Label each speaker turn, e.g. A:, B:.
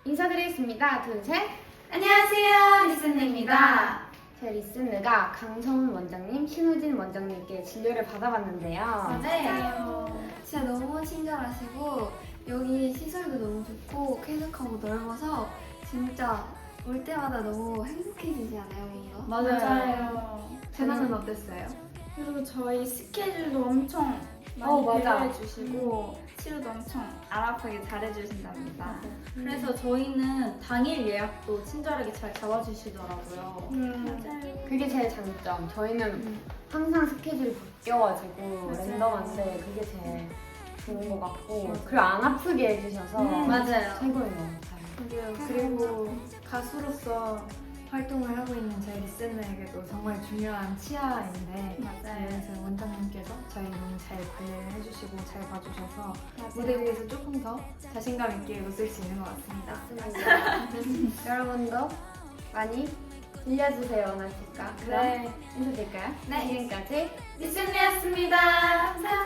A: 인사드리겠습니다. 둘, 셋.
B: 안녕하세요, 리슨입니다.
A: 제 리슨느가 강성훈 원장님, 신우진 원장님께 진료를 받아봤는데요.
B: 맞아요. 진짜 너무 친절하시고 여기 시설도 너무 좋고 쾌적하고 넓어서 진짜 올 때마다 너무 행복해지지 않아요, 이거?
C: 맞아요.
B: 재나는 어땠어요?
C: 그리고 저희 스케줄도 엄청
A: 어,
C: 많이
A: 맞아.
C: 배려해주시고 치료도 엄청 알아보게 잘해주신답니다.
D: 그래서 저희는 당일 예약도 친절하게 잘 잡아주시더라고요.
C: 맞아요.
A: 그게 제일 장점. 저희는 항상 스케줄이 바뀌어가지고
C: 맞아요.
A: 랜덤한데 그게 제일 좋은 것 같고 그리고 안 아프게 해주셔서
D: 맞아요.
A: 최고인 것 같아요.
E: 그리고 가수로서 활동을 하고 있는 저희 리스너에게도 정말 중요한 치아인데
C: 맞아요.
E: 그래서 원장님께서 저희 너무 잘 관리를 해주시고 잘 봐주셔서 무대 위에서 조금 더 자신감 있게 웃을 수 있는 것 같습니다.
A: 맞습니다. 여러분도 많이 들려주세요, 원하실까? 그럼
C: 네.
A: 인사드릴까요?
B: 네.
A: 지금까지
B: 리슨이었습니다. 감사합니다.